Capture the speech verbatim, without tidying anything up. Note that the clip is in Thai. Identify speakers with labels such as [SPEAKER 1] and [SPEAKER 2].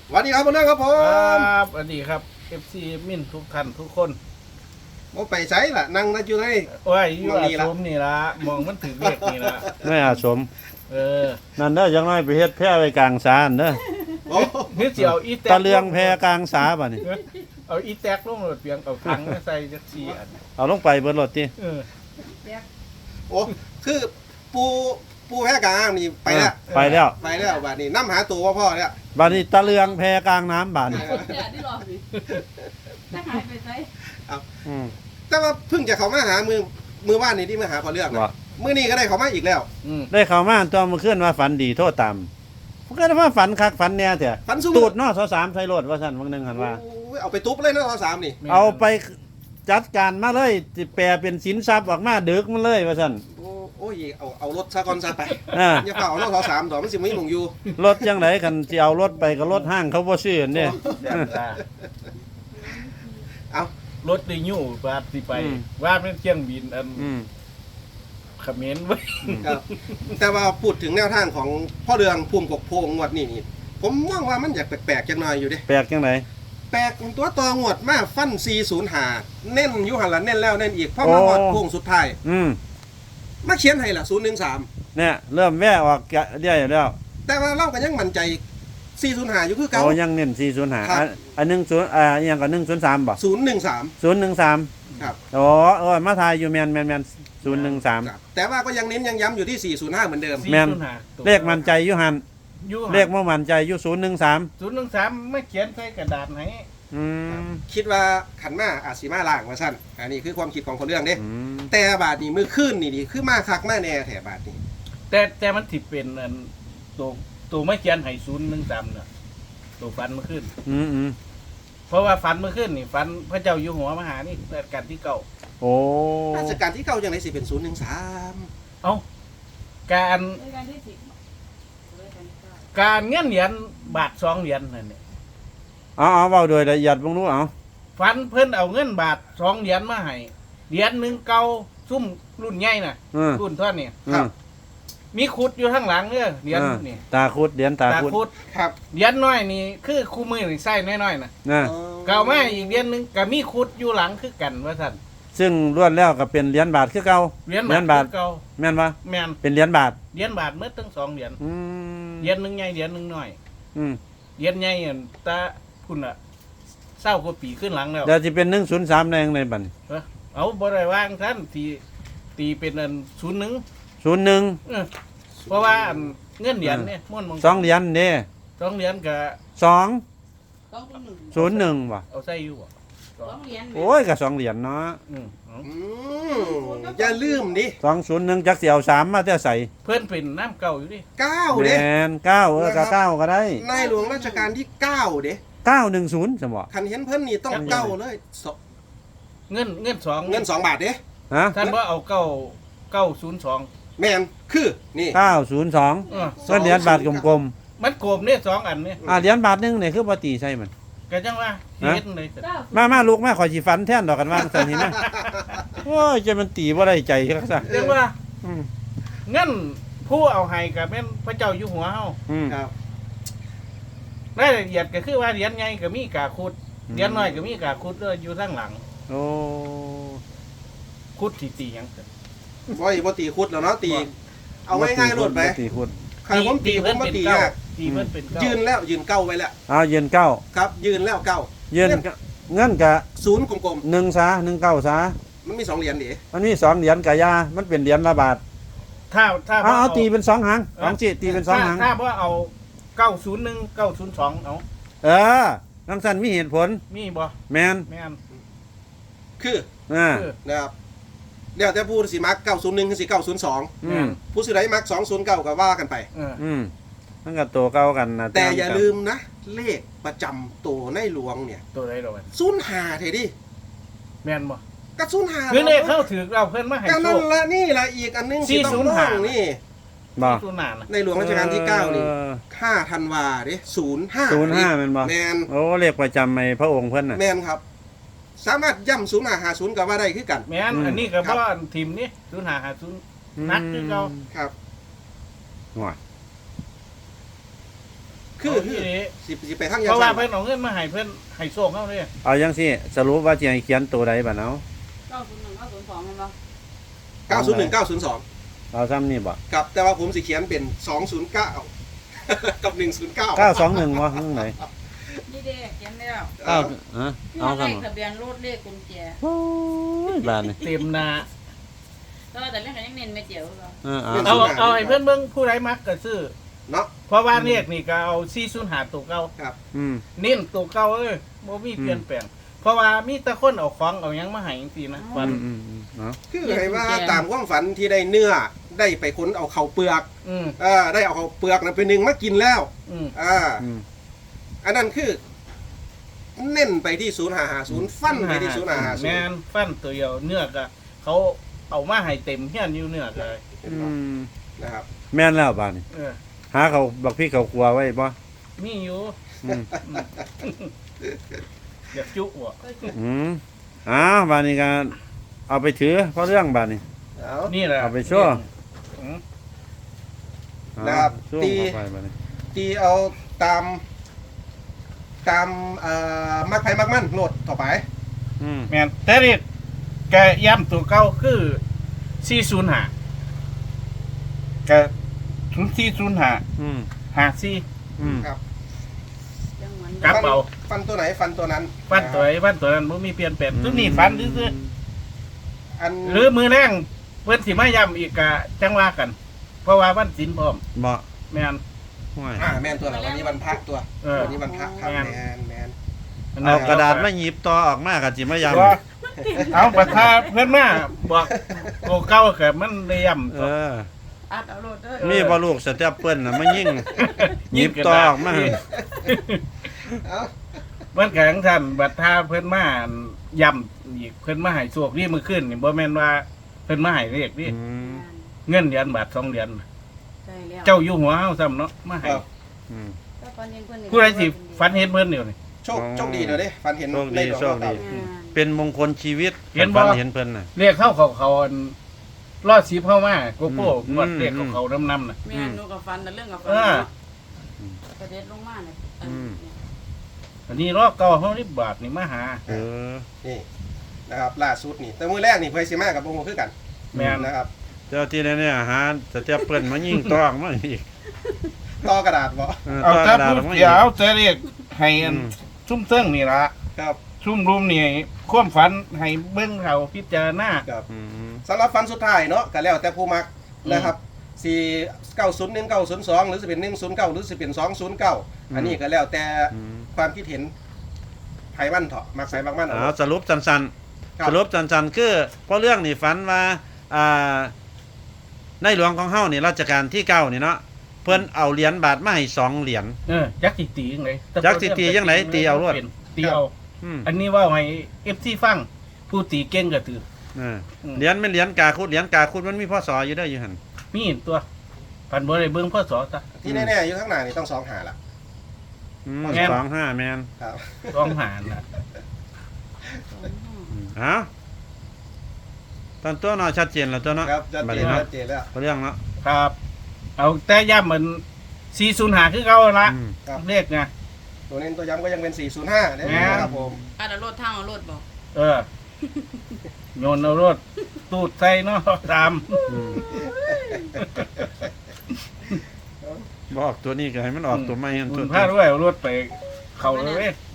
[SPEAKER 1] สวัสดีครับเพื่อนครับผ
[SPEAKER 2] คร
[SPEAKER 1] มั
[SPEAKER 2] บสวัสดีครับ เอฟ ซี มินทุกท่านทุกคน
[SPEAKER 1] โมไปใช้ล่ะนั่งนั่งอยู่ไหน
[SPEAKER 2] โอ้ยอยู่
[SPEAKER 1] มอง
[SPEAKER 2] อา
[SPEAKER 1] นี่ละ
[SPEAKER 2] สมนี่ละมองมันถึงเลขนี่ละ
[SPEAKER 3] ไม่อาสม
[SPEAKER 2] เออ
[SPEAKER 3] นั่นเด้อยังน้อยไปเฮ็ดแพร่ไว้กลางสาอันเด้อ
[SPEAKER 1] โอ้
[SPEAKER 2] นึกสิเอาอีแตก
[SPEAKER 3] ตะเลืองแพร่กลางสาบัดนี้
[SPEAKER 2] เอาอีแตกลงรถเปียงเอาถังมาใส่จักซี่อัน
[SPEAKER 3] เอาลงไปเบิดรถติ
[SPEAKER 2] เออ
[SPEAKER 1] โอ้คือปูปูแพ้กลางนี่ไปแล้ว
[SPEAKER 3] ไปแล้ว
[SPEAKER 1] ไปแล้วบัดนี้น้ำหาตัวพ่อพ่อแล้ว
[SPEAKER 3] บัดนี้ตะเลืองแพร่กลางน้ำบัดนี้
[SPEAKER 4] อย่าที่รอสิถ้าหายไปใส่
[SPEAKER 3] อืม
[SPEAKER 1] แต่ว่าเพิ่งจะเขามาหามือมือว่านนี่ที่มาหาพอเลือกนะ
[SPEAKER 3] ว่า
[SPEAKER 1] มือนี้ก็ได้เขามาอีกแล้ว
[SPEAKER 2] อืม
[SPEAKER 3] ได้เข้ามาตัวมื้อคืนว่าฝันดีโทษตามมันก็ได้ว่าฝันคักฝันแน่แท้
[SPEAKER 1] ฟันสู้
[SPEAKER 3] ตูดเนาะสามใส่รถว่าซั่นบางนึงหั่นว่า
[SPEAKER 1] โอ้ยเอาไปตุ๊บเลยนะทอสามนี่
[SPEAKER 2] แม่น
[SPEAKER 3] เอาไปจัดการมาเลยสิแปลเป็นสินทรัพย์ออกมาดึกมันเลยว่าซั่น
[SPEAKER 1] โอ้โอ้ยเอาเอารถซะก่อนซะไป
[SPEAKER 3] อ่า
[SPEAKER 1] อย่าเป่าเอาทอสามต่อมันสิไม่มงอยู่
[SPEAKER 3] รถจังไดคันสิเอารถไปก็รถห้างเขาบ่ซื้ออันเด้
[SPEAKER 2] แซ่บตา
[SPEAKER 1] เอา
[SPEAKER 2] รถได้ยู่บาดสิไป
[SPEAKER 3] อืม
[SPEAKER 2] ว่าเป็นเครื่องบินอัน
[SPEAKER 3] อืม
[SPEAKER 2] เขมรไว้
[SPEAKER 1] ครับแต่ว่าพูดถึงแนวทางของพ่อเรืองภูมิกบโพงงวดนี่นี่ผมมองว่ามันอยากแปลกๆจังหน่อยอยู่เดิ
[SPEAKER 3] แปลกจังได
[SPEAKER 1] แปลกตัวต่องวดมาฟันสี่ศูนย์หาเน้นอยุหันละเน้นแล้วเน้นอีกเพราะมาหอดโค้งสุดท้าย
[SPEAKER 3] อืม
[SPEAKER 1] มาเขียนให้ละศูนย์หนึ่งสาม
[SPEAKER 3] เนี่ยเริ่มแว่ออกได้แล้ว
[SPEAKER 1] แต่ว่าเราก็ยังมั่นใจสี่ศูนย์หาอยู่คือเก่า
[SPEAKER 3] โอ้ยังเน้นสี่ศูนย์ห้า
[SPEAKER 1] ครับ
[SPEAKER 3] อันอันหนึ่งศูนย์อ่าอหยังก็หนึ่งศูนย์สามบ่
[SPEAKER 1] ศูนย์หนึ่งสาม
[SPEAKER 3] ศูนย์หนึ่งสาม
[SPEAKER 1] ครับ
[SPEAKER 3] อ๋อเออมาทายอยู่แมนแมนแมนศูนย์หนึ่งสาม
[SPEAKER 1] ครับแต่ว่าก็ยังเน้นยังย้ำอยู่ที่สี่ศูนย์ห้าเหมือนเดิม
[SPEAKER 3] แม่น
[SPEAKER 2] สี่ศูย์ห้าตัว
[SPEAKER 3] เลขมันใจอยู่หัน
[SPEAKER 2] อยู่
[SPEAKER 3] เลขบ่มันใจอยู่ศูนย์หนึ่งสาม
[SPEAKER 2] ศูนย์หนึ่งสามไม่เขียนใส่กระดาษให้
[SPEAKER 3] อืม
[SPEAKER 1] คิดว่าขันมาอาจสีมาล่างมาสั้นอันนี้คือความคิดของคนเรื่องเด้
[SPEAKER 3] อืม
[SPEAKER 1] แต่บาทนี้มือขึ้นนี่ดีคือมาคักมาแน่แถบาทนี้
[SPEAKER 2] แต่แต่มันถิเป็นอันตัวตัวไม่เขียนให้ศูนย์หนึ่งสามน่ะตัวฟันเมื่อคืน
[SPEAKER 3] อืมอืม
[SPEAKER 2] เพราะว่าฟันเมื่อคืนนี่ฟันพระเจ้าอยู่หัวมหานี่รัชกาลที่เก้า
[SPEAKER 3] โอ้
[SPEAKER 1] ราชการที่เก่าอย่างไรสิเป็นศูนย์หนึ่งสาม
[SPEAKER 2] เอาการ
[SPEAKER 4] รายการที่สิบรายการที่เก้า
[SPEAKER 2] การเงินเหรียญบาทสองเหรียญนั่นเนี่ย
[SPEAKER 3] เอาเอาเว้าโดยละเอียดบ่รู้เอา
[SPEAKER 2] ฟันเพิ่นเอาเงินบาทสองเหรียญมาให้เหรียญหนึ่งเก่าซุ่มรุ่นใหญ่น่ะ
[SPEAKER 3] อืม
[SPEAKER 2] รุ่นเท่านี้
[SPEAKER 3] อืม
[SPEAKER 2] มีขุดอยู่ข้างหลังเนี่ยเหรียญ
[SPEAKER 3] อ่า
[SPEAKER 2] นี่
[SPEAKER 3] ตาคุดเหรียญตา
[SPEAKER 2] ตา
[SPEAKER 3] คุด
[SPEAKER 2] ขุด
[SPEAKER 1] ครับ
[SPEAKER 2] เหรียญน้อยนี่คือคู่มือนี่ใส่น้อยๆน่ะ
[SPEAKER 3] นะ
[SPEAKER 2] เก่ามาอีกเหรียญหนึงก็มีขุดอยู่หลังคือกันว่าซั่น
[SPEAKER 3] ซึ่งล้วนแล้วก็เป็นเหรียญบาทคือเก่า
[SPEAKER 2] เหรียญ
[SPEAKER 3] เหรียญบา
[SPEAKER 2] บา
[SPEAKER 3] ท
[SPEAKER 2] ทเก่า
[SPEAKER 3] แม่นบ่
[SPEAKER 2] แม่น
[SPEAKER 3] เป็นเหรียญบาท
[SPEAKER 2] เหรียญบาทเมื่อทั้งสองเหรียญ
[SPEAKER 3] อืม
[SPEAKER 2] เหรียญหนึงใหญ่เหรียญหนึงน้อย
[SPEAKER 3] อืม
[SPEAKER 2] เหรียญใหญ่อันตาพุ่นอ่ะเศร้ากว่าปีขึ้นหลังแล้ว
[SPEAKER 3] เดี๋ยวสิเป็นหนึ่งศูนย์สามแดงในบัดนี้
[SPEAKER 2] เอาบ่ได้ว่างท่านตีตีเป็นอันศูนย์หนึ่ง
[SPEAKER 3] ศูนย์หนึ่ง
[SPEAKER 2] เออเพราะว่าอันเงินเหรียญเนี่ยม้วนมง
[SPEAKER 3] สองเหรียญเด้
[SPEAKER 2] สองเหรียญก็
[SPEAKER 3] สอง
[SPEAKER 4] ต้องหนึ่ง
[SPEAKER 3] ศูนย์หนึ่งว่ะ
[SPEAKER 2] เอาใส่อยู่บ่
[SPEAKER 4] สองเหรียญ
[SPEAKER 3] โอ้ยก็สองเหรียญเนาะ
[SPEAKER 2] อืมเอา
[SPEAKER 1] อืมอย่าลืมดิ
[SPEAKER 3] สองศูนย์หนึ่งจักเสียวสามมาแต่ใส่
[SPEAKER 2] เพื่อนเป็นน้ำเก่าอยู่ดิ
[SPEAKER 1] เก้า
[SPEAKER 3] แม
[SPEAKER 1] เด้
[SPEAKER 3] นเก้าเออก็เก้าก็ได้
[SPEAKER 1] ในหลวงรัชกาลที่เก้าเด้
[SPEAKER 3] เก้าหนึ่งศูนย์สมบ่
[SPEAKER 1] คันเห็นเพิ่นนี่ต้องเก้าเลยส
[SPEAKER 2] เงินเงินสอง
[SPEAKER 1] เงินสองบาทเด้
[SPEAKER 3] ฮะ
[SPEAKER 2] ท่านว่าเอาเก้าเก้าศูนย์สอง
[SPEAKER 1] แมนคือนี่
[SPEAKER 3] เก้าศูนย์สอง
[SPEAKER 2] เออ
[SPEAKER 3] ก็เหรียญบาทกลม
[SPEAKER 2] มันโกมเนี่ยสองอันเนี่ย
[SPEAKER 3] ๆอ่าเหรียญบาทหนึงเนี่ยคือปฏิใช่มัน
[SPEAKER 2] ก็จังว่า
[SPEAKER 3] ฮะ
[SPEAKER 2] เฮ็ดเลยสิ
[SPEAKER 4] เก้า
[SPEAKER 3] มามาลูกมาขอสิฟันแท่นดอกกันว่างสันนี่นะโอ้ยจะมันตีบ่ได้ใจคักซะ
[SPEAKER 2] เรียกว่า
[SPEAKER 3] อืม
[SPEAKER 2] เงินผู้เอาให้กับแม่นพระเจ้าอยู่หัวเฮา
[SPEAKER 3] อืม
[SPEAKER 1] ครับ
[SPEAKER 2] รายละเอียดก็คือว่าเหรียญใหญ่ก็มีกาคุด
[SPEAKER 3] อืม
[SPEAKER 2] เหรียญน้อยก็มีกาคุดด้วยอยู่ข้างหลัง
[SPEAKER 3] โอ้
[SPEAKER 2] คุดที่ตีหยังเกิด
[SPEAKER 1] บ่อยบ่ตีคุดแล้วเนาะตี เอาง่ายๆโลดไป
[SPEAKER 3] ตีคุด
[SPEAKER 1] ใครผมตีผมบ่ตี
[SPEAKER 2] เก้าย
[SPEAKER 1] าก
[SPEAKER 2] ตีเพิ่นเป็นเก้า
[SPEAKER 1] ยืนแล้วยืนเก้าไว้แล้ว
[SPEAKER 3] เอายืนเก้า
[SPEAKER 1] ครับ ยืนแล้วเก้า
[SPEAKER 3] ยืนเงินกะ
[SPEAKER 1] ศูนย์กลม
[SPEAKER 3] หนึ่งซาหนึ่งเก้าซา
[SPEAKER 1] ๆมันมีสองเหรียญดิ
[SPEAKER 3] มันมีสองเหรียญกะยามันเป็นเหรียญละบาท
[SPEAKER 2] ถ้าถ้า
[SPEAKER 3] เอา
[SPEAKER 2] บ่
[SPEAKER 3] เอาตีเป็นสองหางสองจิตีเป็นสองหาง
[SPEAKER 2] ถ้าว่าเอาเก้าศูนย์หนึ่งเก้าศูนย์สองเอา
[SPEAKER 3] เออนังสันมีเหตุผล
[SPEAKER 2] มีบ่
[SPEAKER 3] แมน
[SPEAKER 2] แม่น
[SPEAKER 1] คือ
[SPEAKER 3] อ่า
[SPEAKER 2] คือ
[SPEAKER 1] นะครับเดี๋ยวแต่ผู้สิมักเก้าศูนย์หนึ่งคือสิเก้าศูนย์สอง
[SPEAKER 3] อืม
[SPEAKER 1] ผู้สิได้มักสองศูนย์เก้าก็ว่ากันไป
[SPEAKER 2] เออ
[SPEAKER 3] อืมมันก็ตัวเก่ากันนะ
[SPEAKER 1] แต่อย่าลืมนะ เลขประจำตัวในหลวงเนี่ย
[SPEAKER 2] ตัวใดเราบัด
[SPEAKER 1] ศูนย์หาเถดิ
[SPEAKER 2] แม่นบ่
[SPEAKER 1] ก็ศูนย์หา
[SPEAKER 2] คือเลขเข้าถือเราเพิ่นมาให้
[SPEAKER 1] ก็
[SPEAKER 2] โช
[SPEAKER 1] นั่น
[SPEAKER 2] ค
[SPEAKER 1] ละนี่ละอีกอันหนึงที่ต้อง
[SPEAKER 2] สี่ศูนย์ห้า
[SPEAKER 1] ต้องนี่
[SPEAKER 3] บ่
[SPEAKER 2] ตัวหนานะ
[SPEAKER 1] ในหลวงรัชกาลที่เก้านี่
[SPEAKER 3] ออ
[SPEAKER 1] ห้าธันวาเด้ศูนย์ห้า
[SPEAKER 3] ศูนย์ห้าแม่นบ่
[SPEAKER 1] แมน
[SPEAKER 3] โอ้เลขประจำในพระองค์เพิ่นน่ะ
[SPEAKER 1] แมนครับ สามารถย่ำศูนย์หาหาศูนย์ก็ว่าได้คือกัน
[SPEAKER 2] แม่น
[SPEAKER 3] อืม
[SPEAKER 2] อันนี้ก็
[SPEAKER 1] ครับ
[SPEAKER 2] บ่ทีมนี้ศูนย์ห้าห้าศูนย์ นักคือเก่า
[SPEAKER 1] ครับ
[SPEAKER 3] ห่วย
[SPEAKER 1] คือ
[SPEAKER 2] เอา
[SPEAKER 1] คื
[SPEAKER 2] ที่
[SPEAKER 1] อ
[SPEAKER 2] นี้
[SPEAKER 1] สิสิไปทาง
[SPEAKER 2] เพ
[SPEAKER 1] ยัง
[SPEAKER 2] ราะ
[SPEAKER 1] ไง
[SPEAKER 2] ว่าเพิ่นเอาเงินมาให้เพิ่นให้โชคเฮาเด้
[SPEAKER 3] เอาจังซี่สรุปว่าสิให้เขียนตัวใดบัดเอา
[SPEAKER 4] เก้าศูนย์หนึ่งเก้าศูนย์สองเห็นปะ
[SPEAKER 1] เก้าศูนย์หนึ่ง เก้าศูนย์สอง
[SPEAKER 3] เอาซ้ำนี่บ่
[SPEAKER 1] ครับแต่ว่าผมสิเขียนเป็นสองศูนย์เก้า กับหนึ่งศูนย์เก้า
[SPEAKER 3] เก้าสองหนึ่งบ่ข้างไหน
[SPEAKER 4] นี่เด็กเขียนแล้ว
[SPEAKER 3] เก้าฮะ
[SPEAKER 4] นี่
[SPEAKER 3] เอา
[SPEAKER 4] เล
[SPEAKER 3] ซ้ำ
[SPEAKER 4] ขทะเบียนรถเลขกุญแจ
[SPEAKER 3] โอ้ยบาดนี่
[SPEAKER 2] เต็มหน้า
[SPEAKER 4] แต่ว่าแต่เรื่องกันยังเน้นไม่เจียวเหรอ
[SPEAKER 3] เออเอา
[SPEAKER 2] เอาเอาให้เพิ่นเบิ่งผู้ใดมักก็ซื้อ
[SPEAKER 1] เนาะ
[SPEAKER 2] เพราะว่าเลขนี่ก็เอาสี่ศูนย์ห้าตัวเก่า
[SPEAKER 3] อืม
[SPEAKER 2] เน้นตัวเก่าเอ้ยบ่มีเปลี่ยนแปลงเพราะว่ามีแต่คนเอาของเอาหยังมาให้จังซี่นะฟัน
[SPEAKER 3] อืมอืมเนาะ
[SPEAKER 1] คือให้ว่าตามความฝันที่ได้เนื้อได้ไปค้นเอาเข่าเปลือก
[SPEAKER 2] อืม
[SPEAKER 1] อ่าได้เอาเข่าเปลือกนั้นไปหนึ่งมากินแล้ว
[SPEAKER 2] อืม
[SPEAKER 1] อ่า
[SPEAKER 3] อืม
[SPEAKER 1] อันนั้นคือ เน้นไปที่ศูนย์หาหาศูนย์ฟันไปที่ศูนย์หาหาศูน
[SPEAKER 2] แม่
[SPEAKER 1] ย์
[SPEAKER 2] นฟันตัวเดียวเนื้อก็เขาเอามาให้เต็มเฮียนอยู่เนื้อก็
[SPEAKER 3] อืม
[SPEAKER 1] นะครับ
[SPEAKER 3] แม่นแล้วบาดนี่
[SPEAKER 2] เออ
[SPEAKER 3] หาเขาบักพี่เขาครัวไว้บ่
[SPEAKER 2] มีอยู่
[SPEAKER 3] อืม
[SPEAKER 2] อยากจุบ่
[SPEAKER 3] อืมอ้าวบาดนี้ก็เอาไปถือเพราะเรื่องบาดนี้
[SPEAKER 1] เอา
[SPEAKER 2] นี่แหละ
[SPEAKER 3] เอาไปโชว์
[SPEAKER 2] อืม
[SPEAKER 3] เอา
[SPEAKER 1] นะครับ
[SPEAKER 3] ช่วง
[SPEAKER 1] ตี
[SPEAKER 3] เข้าไปบาดนี้
[SPEAKER 1] ตีเอาตาม ตามเอ่อมักไผ่มักมั่นโหลดต่อไป
[SPEAKER 3] อืม
[SPEAKER 2] แม่นแต่นี่แกย้ำตัวเก่าคือสี่ศูนย์ห้าแกถึงสี่ศูนย์ห้า
[SPEAKER 3] อืม
[SPEAKER 2] ห้าสี่
[SPEAKER 3] อืม
[SPEAKER 1] ครับ
[SPEAKER 4] ยังเหมือน
[SPEAKER 2] กลับเอา
[SPEAKER 1] ฟันตัวไหนฟันตัวนั้น
[SPEAKER 2] ฟันตัวไอ้ฟันตัวนั้นบ่มีเปลี่ยนแปลงตัวนี้ฟันซื่อ
[SPEAKER 1] อัน
[SPEAKER 2] ๆหรือมือแรงเพิ่นสิมาย้ำอีกกะจังว่ากัน เพราะว่าวันศีลพร้อม
[SPEAKER 3] บ่
[SPEAKER 2] แม่น
[SPEAKER 3] ห่วย
[SPEAKER 1] อ่าแมนตัวไหนวันนี้วันพักตัว
[SPEAKER 2] เออ
[SPEAKER 1] วันนี้วันพักครับ
[SPEAKER 2] แม่น
[SPEAKER 1] แมนแมน
[SPEAKER 3] เอากระดาษมาหยิบต่อออกมาก็สิมายำ
[SPEAKER 2] ว่าเอาประทาเพิ่นมาบอกโกเก่าก็มันได้ย้ำ
[SPEAKER 3] เอ
[SPEAKER 2] ตัว
[SPEAKER 3] อ
[SPEAKER 4] อัดเอาโหลดเด้อ
[SPEAKER 3] มีบ่ลูกสเต็ปเปิ้ลน่ะมายิงหยิบต่อออกมา
[SPEAKER 1] เอา
[SPEAKER 2] มันก็จังซั่นบัดทาเพิ่นมาย้ำอีกเพิ่นมาให้โชคนี่มื้อคืนนี่บ่แม่นว่าเพิ่นมาให้เลขนี่
[SPEAKER 3] อืม
[SPEAKER 2] เงินเหรียญบาทสองเหรียญ
[SPEAKER 4] ใช่แล้ว
[SPEAKER 2] เจ้าอยู่หัวเฮาซ้ำเนาะมาให้
[SPEAKER 1] เอา
[SPEAKER 3] อืม
[SPEAKER 2] ผู้ใดสิฝันเห็นเพิ่นเดี๋ยวนี้
[SPEAKER 1] โชคโชคดีเลยเด้ฟันเห็น
[SPEAKER 3] โชคดี
[SPEAKER 1] ในดอก
[SPEAKER 3] โชคดี
[SPEAKER 1] มะพร้าว
[SPEAKER 3] เป็นมงคลชีวิต
[SPEAKER 2] เห็นบ่
[SPEAKER 3] ฝัเห็นเพิ่นน่ะ
[SPEAKER 2] เรียกเข้าเขาเขาอันรอดสีเข้ามาโกโก้
[SPEAKER 3] อืม
[SPEAKER 2] วัดเรียกเขาเขาน้ำน้ำน่ะ
[SPEAKER 4] แม่นูกับฟันแต่เรื่องกับฟัน
[SPEAKER 2] เออ
[SPEAKER 4] กระเด็ดลงมาเนี่ยอัน
[SPEAKER 3] อืม
[SPEAKER 4] เนี่ย
[SPEAKER 2] อันนี้รอบเก่าเฮานี่บาทนี่มาหา
[SPEAKER 3] เออ
[SPEAKER 1] นี่นะครับล่าสุดนี่ แต่มือแรกนี่ไพซิมากับโมโหคือกัน
[SPEAKER 2] แม่น
[SPEAKER 1] นะครับ
[SPEAKER 3] เจ้าที่เนี่ยหาสเต็ปเปิ้ลมายิงต่อออกมาอีก
[SPEAKER 1] ต่อกระดาษบ่
[SPEAKER 3] เออ
[SPEAKER 2] เอา
[SPEAKER 3] ต่อก
[SPEAKER 2] ถ้า
[SPEAKER 3] ระดาษ
[SPEAKER 2] พู
[SPEAKER 3] อ
[SPEAKER 2] ด
[SPEAKER 3] อกมาอี
[SPEAKER 2] เดี๋
[SPEAKER 3] ก
[SPEAKER 2] ยวจะเรียกให้อัน
[SPEAKER 3] อืม
[SPEAKER 2] ซุ่มเติ้งนี่ละ
[SPEAKER 1] ครับ
[SPEAKER 2] ซุ่มรุมนี่ความฝันให้เบิ่งเขาพิจารณา
[SPEAKER 1] ครับ
[SPEAKER 3] อืม
[SPEAKER 1] สำหรับฟันสุดท้ายเนาะก็แล้วแต่ผู้มัก
[SPEAKER 2] อืม
[SPEAKER 1] นะครับสี่เก้าศูนย์หนึ่งเก้าศูนย์สองหรือจะเป็นหนึ่งศูนย์เก้าหรือจะเป็นสองศูนย์เก้าอันนี้ก็แล้วแต่
[SPEAKER 3] อืม
[SPEAKER 1] ความคิดเห็นไผ่มันเถาะมักไผ่มักมันเอา
[SPEAKER 3] เอาสรุปสั้น
[SPEAKER 1] ครั
[SPEAKER 3] ๆ
[SPEAKER 1] บ
[SPEAKER 3] สรุปสั้นๆคือเพราะเรื่องนี่ฝันว่าอ่าในหลวงของเฮานี่รัชกาลที่เก้านี่เนาะเพิ่นเอาเหรียญบาทมาให้สองเหรียญ
[SPEAKER 2] เออจักสิตีจังได
[SPEAKER 3] จักสิตีจังไหนตีเอารวด
[SPEAKER 2] ตีเอา
[SPEAKER 3] อืม
[SPEAKER 2] อันนี้เว่าให้ เอฟ ซี ฟังผู้ตีเก่งก็ถือ
[SPEAKER 3] เออ
[SPEAKER 2] อืม
[SPEAKER 3] เหรียญเป็นเหรียญกาคุดเหรียญกาคุดมันมีพ่อสออยู่เด้ออยู่หั่น
[SPEAKER 2] มีตัวพันบ่ได้เบิ่งพ่อสอซะ
[SPEAKER 1] ที่แน่ๆอยู่ข้างหน้านี่ต้องสองหาละ
[SPEAKER 3] อืม
[SPEAKER 2] แม่น
[SPEAKER 3] สองห้าแมน
[SPEAKER 1] ครับ
[SPEAKER 2] ร้องหานน่ะ
[SPEAKER 3] อืมเอาตอนตัวเนาะชัดเจนแล้วตัวเนาะ
[SPEAKER 1] ครับชัด
[SPEAKER 3] บัด
[SPEAKER 1] เจ
[SPEAKER 3] นี้
[SPEAKER 1] น
[SPEAKER 3] เนาะ
[SPEAKER 1] ชัดเจนแล้ว
[SPEAKER 3] เพราะเรื่องเนาะ
[SPEAKER 2] ครับ เอาแต่ย่ำมันสี่ศูนย์ห้าคือเก่าละ
[SPEAKER 3] อืม
[SPEAKER 1] ครับ
[SPEAKER 2] เลขไง
[SPEAKER 1] ตัวเน้นตัวย้ำก็ยังเป็นสี่ศูนย์ห้า
[SPEAKER 2] แม่
[SPEAKER 1] นะครับผม
[SPEAKER 4] อัดเอาโหลดทางเอาโหลดบอก
[SPEAKER 2] เออโยนเอารถตูดใส่เนาะตาม
[SPEAKER 3] อืมบออกตัวนี้ก็ให้มันออกตัวใหม่หั่น
[SPEAKER 2] คุ
[SPEAKER 3] ตัว
[SPEAKER 2] ณพาด้วยเอารถไป เขาเลยเว้ย